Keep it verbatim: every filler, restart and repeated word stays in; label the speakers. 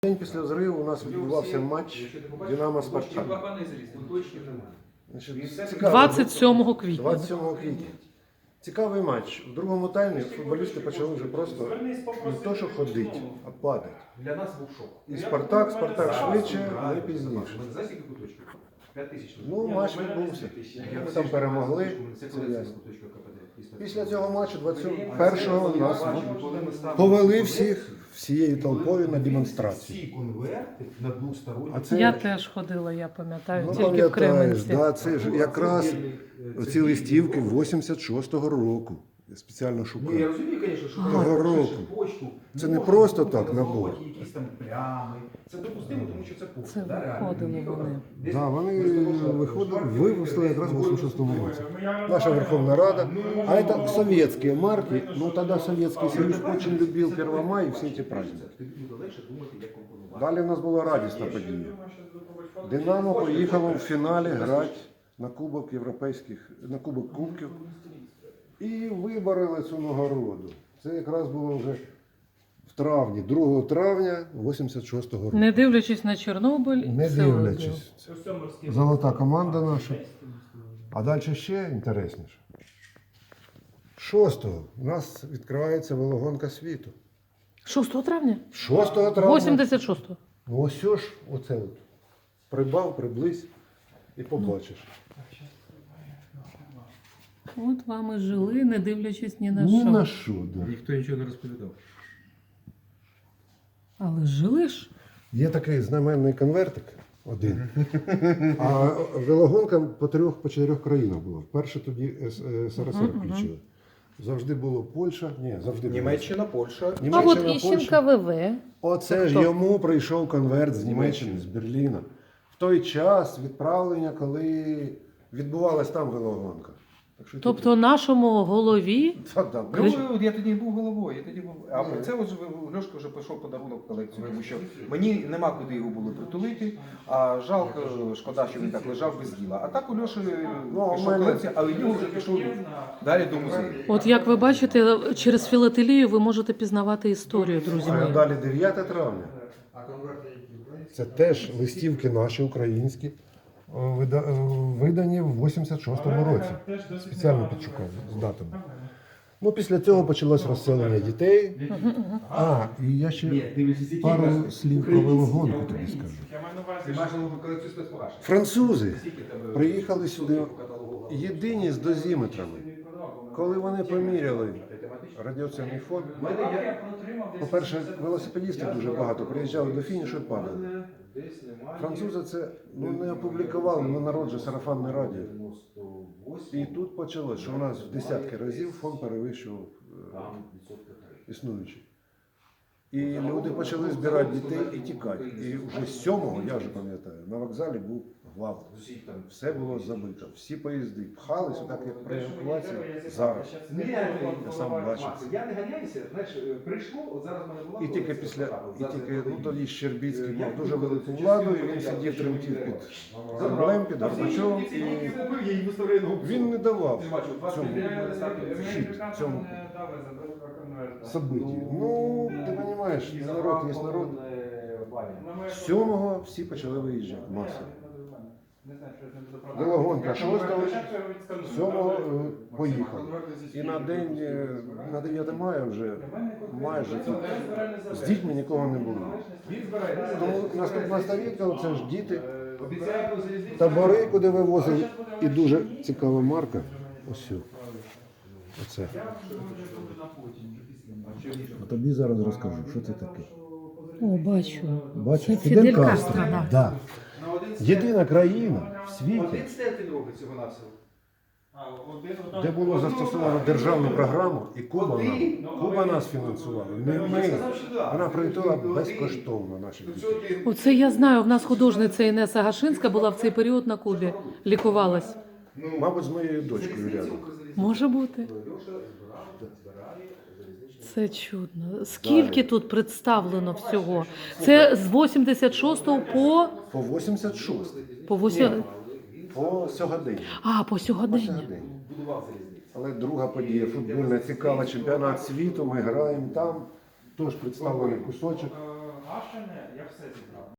Speaker 1: День після взриву у нас відбувався матч Динамо-Спартак.
Speaker 2: двадцять сьомого квітня.
Speaker 1: двадцять сьомого квітня. Цікавий матч. В другому таймі футболісти почали вже просто не то, що ходити, а падати.
Speaker 3: Для нас був шок.
Speaker 1: І Спартак, Спартак швидше, ми пізніше. Ну, матч відбувся. Ми там перемогли, це ясно. Після цього матчу двадцять першого нас повели всіх всією толпою на демонстрацію.
Speaker 3: Всі конверти на двосторонні.
Speaker 1: А це,
Speaker 2: Я теж ходила, я пам'ятаю,
Speaker 1: ну,
Speaker 2: тільки в
Speaker 1: пам'ятаєш,
Speaker 2: Кременці.
Speaker 1: да, це ж якраз ці листівки вісімдесят шостого року. Я спеціально
Speaker 3: Ну, я
Speaker 1: шукав.
Speaker 3: розумію, звісно, що
Speaker 1: Того
Speaker 3: ти
Speaker 1: року.
Speaker 3: пишеш почту.
Speaker 1: Це не
Speaker 3: можна
Speaker 1: просто так набор.
Speaker 3: показувати якісь там плями. Це допустимо, тому що це почта.
Speaker 2: Це
Speaker 3: да, реально.
Speaker 2: виходили вони.
Speaker 3: Десь
Speaker 1: Да, вони
Speaker 3: просто
Speaker 1: виходили,
Speaker 3: марки
Speaker 1: вивезли якраз в вісімдесят шостому році. Наша Верховна Рада. А это советские марки. Ну тогда Советский Союз очень любил первое мая и все эти праздники.
Speaker 3: тобі буде легше думати, як компонувати.
Speaker 1: Далі в нас була радісна подія. Динамо поїхало в фіналі грати на Кубок Європейських, на Кубок Кубків. І вибороли цю нагороду. Це якраз було вже в травні, другого травня вісімдесят шостого року.
Speaker 2: Не дивлячись на Чорнобиль,
Speaker 1: Не
Speaker 2: все одно.
Speaker 1: дивлячись. Золота команда наша. А далі ще інтересніше. шостого у нас відкривається велогонка світу.
Speaker 2: шостого травня?
Speaker 1: шостого травня.
Speaker 2: вісімдесят шостого.
Speaker 1: Ну ось ж, оце от. Прибав, приблизь і побачиш.
Speaker 2: От вам і жили, не дивлячись ні на
Speaker 1: Ні
Speaker 2: що.
Speaker 1: на що, да.
Speaker 4: Ніхто нічого не розповідав.
Speaker 2: Але жили ж.
Speaker 1: Є такий знаменний конвертик один. А велогонка по трьох, по чотирьох країнах була. Вперше тоді СРСР включили. Завжди було Польща. Ні, завжди було.
Speaker 3: Німеччина, Польща.
Speaker 2: А от
Speaker 1: Німеччина,
Speaker 2: Іщенка
Speaker 1: Польща.
Speaker 2: ВВ.
Speaker 1: Оце ж йому прийшов конверт з Німеччини, з Берліна. В той час відправлення, коли відбувалась там велогонка. Так що
Speaker 2: Тобто нашому голові
Speaker 1: Та, да,
Speaker 3: Ну, от я тоді був головою, я тоді був. А це от Льошка вже пішов подарунок в колекцію, тому що мені нема куди його було притулити, а жалко, шкода, що він так лежав без діла. А так у Льоші
Speaker 1: Ну, а в
Speaker 3: пішов
Speaker 1: мене-
Speaker 3: колекція, але в нього вже пішов далі до музею.
Speaker 2: От як ви бачите, через філателію ви можете пізнавати історію, друзі
Speaker 1: А
Speaker 2: мої.
Speaker 1: далі дев'яте травня. Це теж листівки наші українські, о, вида- о, видані в вісімдесят шостому році. Спеціально підшукав з датами. Ну, після цього почалось розселення дітей. А, і я ще пару слів про велогонку тобі скажу.
Speaker 3: Ти маєш нову колекцію спецпогашень.
Speaker 1: Французи приїхали сюди єдині з дозіметрами. Коли вони поміряли радіаційний фон, по-перше, велосипедістів дуже багато приїжджали до фінішу і падали. Французи це ну, не опублікували, на народ же сарафанне радіо. І тут почалось, що у нас в десятки разів фон перевищував е, існуючий. І люди почали збирати дітей і тікати. І вже з сьомого, я вже пам'ятаю, на вокзалі був глав. Все було забито. Всі поїзди пхались, так як при евакуації зараз. Я сам бачив.
Speaker 3: Я не ганяюся, знаєш, прийшло, от зараз в мене була.
Speaker 1: І тільки після, і тільки, ну тоді Щербіцький мав дуже велику владу, і він сидів, тремтів під Кремлем, під Горбачовим, і він не давав цьому хід, цьому событию. Ну, ти розумієш, народ є народ. З сьомого всі почали виїжджати масово. Велогонка шостого, сьомого е, поїхали. І на день, е, на дев'яте мая вже майже тут з дітьми нікого не було. Тому наступна сторінка, це ж діти, табори, куди вивозили. І дуже цікава марка. Ось цю. Оце. А тобі зараз розкажу, що це таке.
Speaker 2: О, бачу.
Speaker 1: Бачиш,
Speaker 2: Це
Speaker 1: Фідель
Speaker 2: Фідель
Speaker 1: Кастро.
Speaker 2: Кастро, да.
Speaker 1: Да. Єдина країна в світі,
Speaker 3: Один стель він робить цього навсього.
Speaker 1: де було застосовано державну програму, і Куба нам, Куба нас фінансувала, не ми. Вона прилетіла безкоштовно наших дітей.
Speaker 2: Оце я знаю, в нас художниця Інеса Гашинська була в цей період на Кубі, лікувалась.
Speaker 1: Мабуть, з моєю дочкою рядом.
Speaker 2: Може бути. Це чудно. Скільки тут представлено всього? Це з вісімдесят шостого по...
Speaker 1: По вісімдесят шостий.
Speaker 2: По восьм...
Speaker 1: По сьогодення.
Speaker 2: А, по
Speaker 1: По
Speaker 2: сьогодення.
Speaker 1: сьогодення. Але друга подія, футбольна, цікава, чемпіонат світу, ми граємо там, теж представлений кусочок.
Speaker 4: погашене, я все зібрав.